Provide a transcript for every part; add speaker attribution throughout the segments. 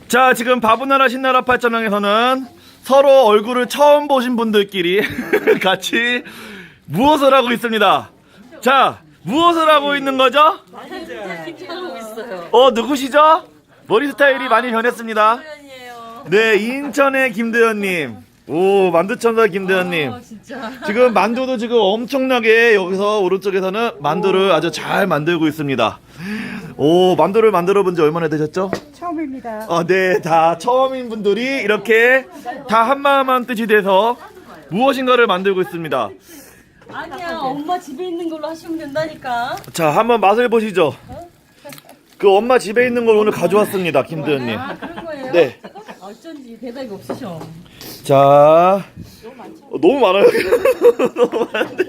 Speaker 1: 자, 지금 바보나라 신나라 팔자명에서는 서로 얼굴을 처음 보신 분들끼리 같이 무엇을 하고 있습니다. 자, 무엇을 하고 있는 거죠?
Speaker 2: 하고 있어요.
Speaker 1: 누구시죠? 머리 스타일이 많이 변했습니다.
Speaker 2: 김도연이에요.
Speaker 1: 네, 인천의 김도연님. 오, 만두천사 김도연님.
Speaker 2: 진짜.
Speaker 1: 지금 만두도 지금 엄청나게 여기서 오른쪽에서는 만두를 아주 잘 만들고 있습니다. 오, 만두를 만들어 본 지 얼마나 되셨죠?
Speaker 3: 처음입니다.
Speaker 1: 네, 다 처음인 분들이 이렇게 다 한마음 한 뜻이 돼서 무엇인가를 만들고 있습니다.
Speaker 2: 아니야, 엄마 집에 있는 걸로 하시면 된다니까.
Speaker 1: 자, 한번 맛을 보시죠. 그 엄마 집에 있는 걸 오늘 가져왔습니다, 김도연님.
Speaker 2: 아, 그런 거예요?
Speaker 1: 네.
Speaker 2: 어쩐지 대답이 없으셔.
Speaker 1: 자, 너무 많아요. 너무 많은데.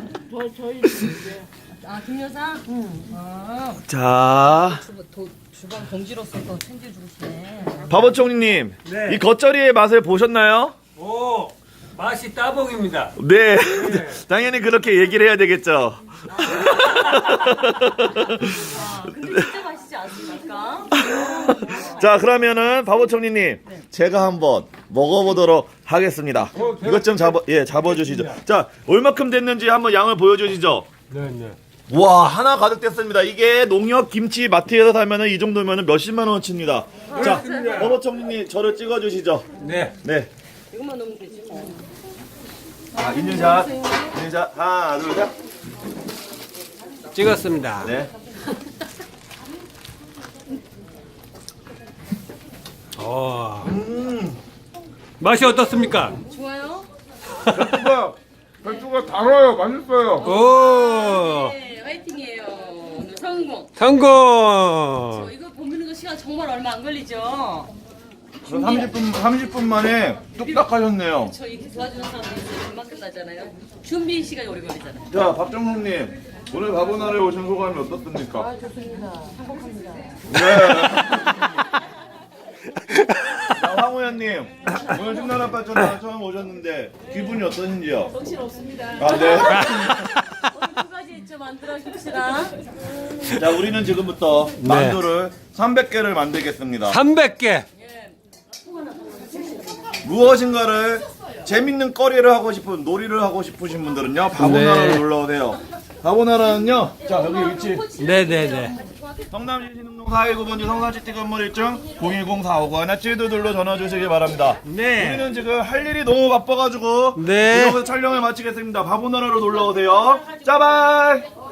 Speaker 2: 아, 김여사? 응. 아,
Speaker 1: 자,
Speaker 2: 주방 동지로서 또 챙겨주시네.
Speaker 1: 바보총리님,
Speaker 4: 네.
Speaker 1: 이 겉절이의 맛을 보셨나요?
Speaker 4: 오, 맛이 따봉입니다.
Speaker 1: 네, 당연히 그렇게 얘기를 해야 되겠죠.
Speaker 2: 아, 근데 진짜 맛있지 않습니까?
Speaker 1: 자, 그러면은 바보총리님, 제가 한번 먹어보도록 하겠습니다. 이것 좀 잡아주시죠. 자, 얼마큼 됐는지 한번 양을 보여주시죠.
Speaker 4: 네.
Speaker 1: 와, 하나 가득 됐습니다. 이게 농협 김치 마트에서 사면은 이 정도면은 몇십만 원어치입니다. 자, 바보총리님 저를 찍어주시죠.
Speaker 4: 네.
Speaker 1: 네.
Speaker 2: 이것만 넣으면 되지 뭐.
Speaker 1: 자, 인증샷. 인증샷. 하나, 둘, 셋.
Speaker 4: 찍었습니다.
Speaker 1: 네.
Speaker 4: 맛이 어떻습니까?
Speaker 2: 좋아요?
Speaker 5: 배추가 달아요. 맛있어요.
Speaker 4: 오,
Speaker 2: 네, 화이팅이에요. 오늘 성공.
Speaker 4: 성공.
Speaker 2: 이거 봄비는 거 시간 정말 얼마 안 걸리죠?
Speaker 1: 30분 만에 뚝딱 하셨네요.
Speaker 2: 저 이렇게 도와주는 사람도 있어요. 금방 끝나잖아요. 준비 시간이 오래 걸리잖아요.
Speaker 1: 자, 박정훈님. 오늘 바보나라에 오신 소감이 어떻습니까?
Speaker 2: 좋습니다. 행복합니다.
Speaker 1: 네. 자, 황우현님. 오늘 신나라 발전에 처음 오셨는데 기분이 어떠신지요?
Speaker 2: 정신 없습니다.
Speaker 1: 아, 네.
Speaker 2: 오늘 두 가지 있죠. 만들어 줍시다.
Speaker 1: 자, 우리는 지금부터 만두를 300개를 만들겠습니다.
Speaker 4: 300개.
Speaker 1: 무엇인가를 재밌는 거리를 하고 싶은 놀이를 하고 싶으신 분들은요 바보나라로
Speaker 4: 네.
Speaker 1: 놀러오세요. 바보나라는요, 자 여기 위치
Speaker 4: 네네네.
Speaker 1: 성남시 신흥동 419번지 성산시티 건물 1층 010-459-1722로 전화 주시기 바랍니다.
Speaker 4: 네.
Speaker 1: 우리는 지금 할 일이 너무 바빠가지고
Speaker 4: 네.
Speaker 1: 여기서 촬영을 마치겠습니다. 바보나라로 놀러오세요. 짜발.